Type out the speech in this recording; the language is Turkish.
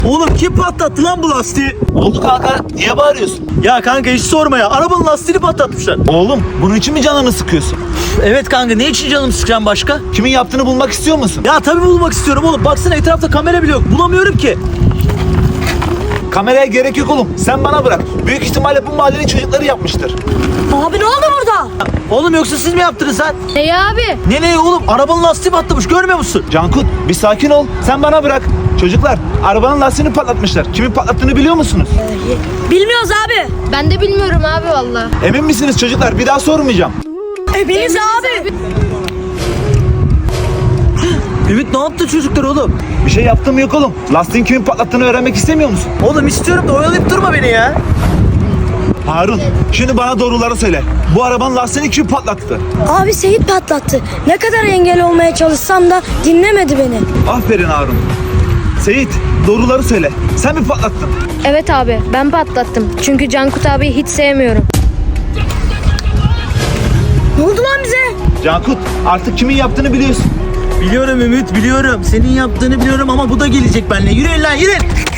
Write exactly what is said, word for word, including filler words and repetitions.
Oğlum kim patlattı lan bu lastiği? Oldu kanka, niye bağırıyorsun? Ya kanka hiç sorma ya. Arabanın lastiğini patlatmışlar. Oğlum bunun için mi canını sıkıyorsun? Evet kanka, ne için canım sıkacağım başka? Kimin yaptığını bulmak istiyor musun? Ya tabii bulmak istiyorum oğlum. Baksana etrafta kamera bile yok. Bulamıyorum ki. Kameraya gerek yok oğlum. Sen bana bırak. Büyük ihtimalle bu mahallenin çocukları yapmıştır. Abi ne oldu burada? Oğlum yoksa siz mi yaptınız lan? Ne abi? Ne ne oğlum? Arabanın lastiği patlamış, görmüyor musun? Cankut, bir sakin ol. Sen bana bırak. Çocuklar, arabanın lastiğini patlatmışlar. Kimin patlattığını biliyor musunuz? Bilmiyoruz abi. Ben de bilmiyorum abi valla. Emin misiniz çocuklar? Bir daha sormayacağım. Eminiz abi. Ümit ne yaptı çocuklar oğlum? Bir şey yaptığım yok oğlum. Lastiğin kimin patlattığını öğrenmek istemiyor musun? Oğlum istiyorum da oyalayıp durma beni ya. Harun, şimdi bana doğruları söyle. Bu arabanın lastiğini kim patlattı? Abi Seyit patlattı. Ne kadar engel olmaya çalışsam da dinlemedi beni. Aferin Harun. Seyit, doğruları söyle. Sen mi patlattın? Evet abi ben patlattım. Çünkü Cankut abiyi hiç sevmiyorum. Ne oldu lan bize? Cankut, artık kimin yaptığını biliyorsun. Biliyorum Ümit, biliyorum. Senin yaptığını biliyorum ama bu da gelecek benimle. Yürüyün lan, yürüyün.